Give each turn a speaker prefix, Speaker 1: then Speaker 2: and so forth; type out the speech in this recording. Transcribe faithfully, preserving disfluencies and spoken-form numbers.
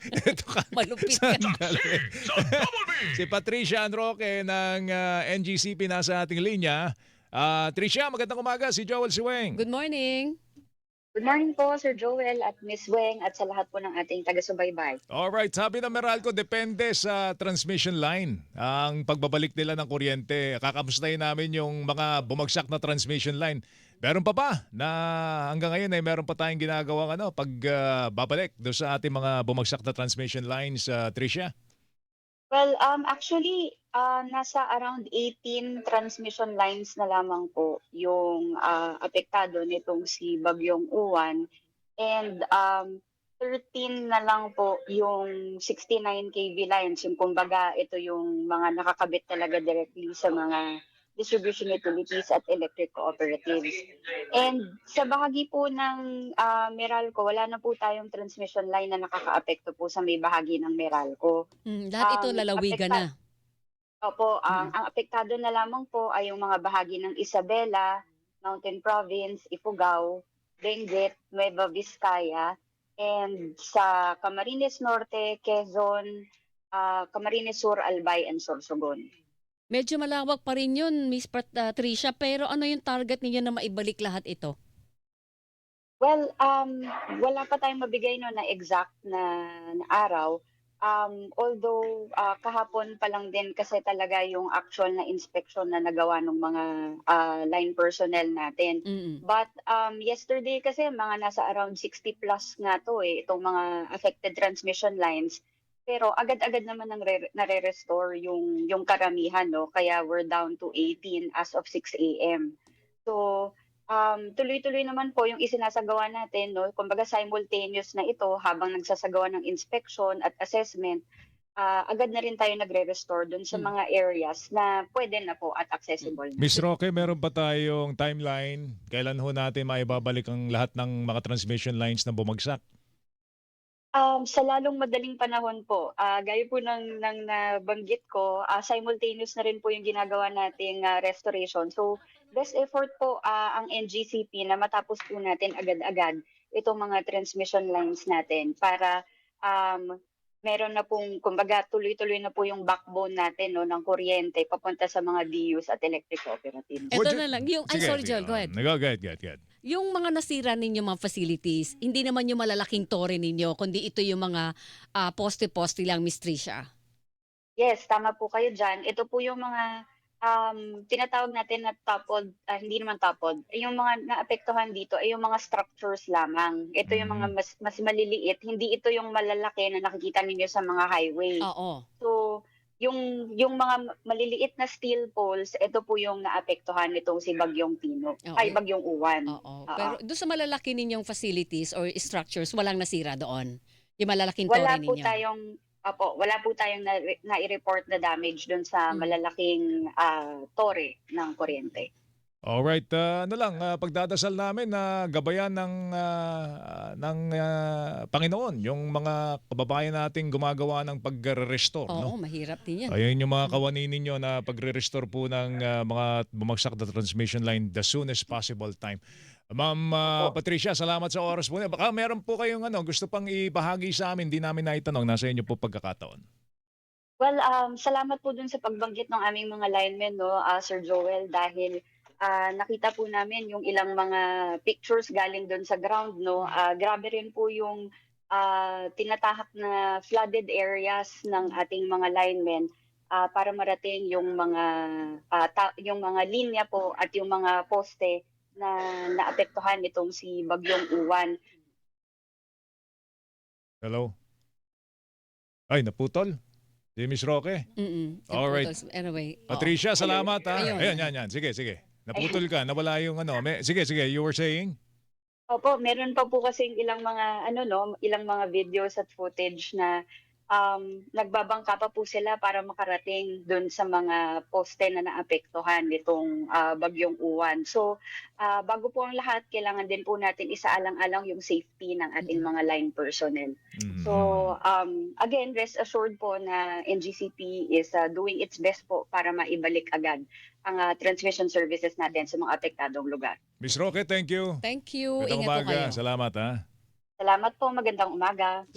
Speaker 1: Ito ka
Speaker 2: Malupit ka.
Speaker 1: sandali. Si Patricia Anroque ng ah, N G C P nasa ating linya. Ah, Tricia, magandang umaga. Si Joel Siweng.
Speaker 2: Good morning.
Speaker 3: Good morning po, Sir Joel at Miss Weng at sa lahat po ng ating taga-subaybay.
Speaker 1: Alright, sabi ng Meralco, depende sa transmission line ang pagbabalik nila ng kuryente. Kakamustahin namin yung mga bumagsak na transmission line. Meron pa ba na hanggang ngayon ay meron pa tayong ginagawang ano, pag ah, babalik doon sa ating mga bumagsak na transmission lines, ah, Tricia?
Speaker 3: Well, um, actually, ah, nasa around eighteen transmission lines na lamang po yung ah, apektado nitong si Bagyong Uwan and um, thirteen na lang po yung sixty-nine K V lines. Yung kumbaga, ito yung mga nakakabit talaga directly sa mga distribution utilities at electric cooperatives. And sa bahagi po ng ah, Meralco, wala na po tayong transmission line na nakakaapekto po sa may bahagi ng Meralco.
Speaker 2: Hmm, lahat ito
Speaker 3: Ang
Speaker 2: lalawigan na.
Speaker 3: apekta Opo, ang
Speaker 2: Mm.
Speaker 3: ang apektado na lamang po ay yung mga bahagi ng Isabela, Mountain Province, Ifugao, Benguet, Nueva Vizcaya, and sa Camarines Norte, Quezon, ah, Camarines Sur, Albay, and Sorsogon.
Speaker 2: Medyo malawak pa rin yun, Miss Pat ah, Tricia, pero ano yung target ninyo na maibalik lahat ito?
Speaker 3: Well, um, wala pa tayong mabigay no na exact na, na araw. Um, although ah, kahapon pa lang din kasi talaga yung actual na inspection na nagawa ng mga ah, line personnel natin.
Speaker 2: Mm.
Speaker 3: But um, yesterday kasi mga nasa around sixty plus nga to eh, itong mga affected transmission lines. Pero agad-agad naman nang re- nare-restore yung, yung karamihan, no? Kaya we're down to eighteen as of six a m. So, Um, tuloy-tuloy naman po yung isinasagawa natin, no? Kumbaga simultaneous na ito habang nagsasagawa ng inspection at assessment, ah, agad na rin tayo nagre-restore dun sa
Speaker 2: Hmm.
Speaker 3: mga areas na pwede na po at accessible na.
Speaker 1: Miss Roque, meron ba tayong timeline? Kailan ho natin maibabalik ang lahat ng mga transmission lines na bumagsak?
Speaker 3: Um, sa lalong madaling panahon po, ah, gaya po ng, ng nabanggit ko, ah, simultaneous na rin po yung ginagawa nating ah, restoration. So, best effort po ah, ang N G C P na matapos po natin agad-agad itong mga transmission lines natin para um, meron na pong, kumbaga, tuloy-tuloy na po yung backbone natin no, ng kuryente papunta sa mga D Us at electric cooperatives.
Speaker 2: Eto
Speaker 1: Would you-
Speaker 2: na lang, yung, ay
Speaker 1: Sige,
Speaker 2: sorry
Speaker 1: sige.
Speaker 2: Joel, go ahead.
Speaker 1: Um, Go, go ahead, go ahead, go ahead.
Speaker 2: Yung mga nasira ninyo mga facilities, hindi naman yung malalaking tore ninyo, kundi ito yung mga ah, poste-poste lang, Miss Tricia.
Speaker 3: Yes, tama po kayo dyan. Ito po yung mga um, tinatawag natin na toppled, ah, hindi naman toppled, yung mga naapektuhan dito ay yung mga structures lamang. Ito yung mga
Speaker 1: Mhm.
Speaker 3: mas, mas maliliit, hindi ito yung malalaki na nakikita ninyo sa mga highway.
Speaker 2: Oo.
Speaker 3: So, yung yung mga maliliit na steel poles, ito po yung naapektuhan nitong si Bagyong Pino,
Speaker 2: Oo.
Speaker 3: ay Bagyong Uwan.
Speaker 2: Oo.
Speaker 3: Oo.
Speaker 2: Pero doon sa malalaki ninyong facilities or structures, walang nasira doon? Yung malalaking
Speaker 3: Wala
Speaker 2: tore
Speaker 3: po
Speaker 2: ninyo?
Speaker 3: tayong Opo, wala po tayong na, nai-report na damage doon sa
Speaker 2: Mm.
Speaker 3: malalaking ah, tore ng kuryente.
Speaker 1: Alright, ah, ano lang, ah, pagdadasal namin na gabayan ng, ah, ng ah, Panginoon yung mga kababayan nating gumagawa ng pagre-restore,
Speaker 2: Oo,
Speaker 1: no?
Speaker 2: mahirap din yan.
Speaker 1: Ayun yung mga kawani ninyo na pagre-restore po ng ah, mga bumagsak na transmission line the soonest possible time. Ma'am ah,
Speaker 3: Opo.
Speaker 1: Patricia, salamat sa oras po niyo. Baka meron po kayong ano, gusto pang ibahagi sa amin, di namin naitanong, nasa inyo po pagkakataon.
Speaker 3: Well, um, salamat po dun sa pagbanggit ng aming mga linemen, no, ah, Sir Joel, dahil ah, nakita po namin yung ilang mga pictures galing dun sa ground, no. Ah, grabe rin po yung ah, tinatahak na flooded areas ng ating mga linemen ah, para marating yung mga ah, ta- yung mga linya po at yung mga poste na naapektuhan nitong si Bagyong Uwan.
Speaker 1: Hello? Ay, naputol? Si Miss Roque?
Speaker 2: Mm.
Speaker 1: Alright.
Speaker 2: Naputol. Anyway. oo.
Speaker 1: Patricia, salamat ha.
Speaker 2: Ayun.
Speaker 1: Ayan, yan, yan. Sige, sige. Naputol ka, nawala yung ano. May, sige, sige, you were saying?
Speaker 3: Opo, meron pa po kasing ilang mga ano no, ilang mga videos at footage na um, nagbabangka pa po sila para makarating dun sa mga poste na naapektuhan nitong ah, Bagyong Uwan. So, ah, bago po ang lahat, kailangan din po natin isaalang-alang yung safety ng ating mga line personnel.
Speaker 1: Mhm.
Speaker 3: So, um, again, rest assured po na N G C P is ah, doing its best po para maibalik agad ang ah, transmission services natin sa mga apektadong lugar.
Speaker 1: Miss Roque, thank you.
Speaker 2: Thank you.
Speaker 1: Magandang
Speaker 2: Ingat po
Speaker 1: umaga.
Speaker 2: kayo.
Speaker 1: Salamat ha.
Speaker 3: Salamat po, magandang umaga.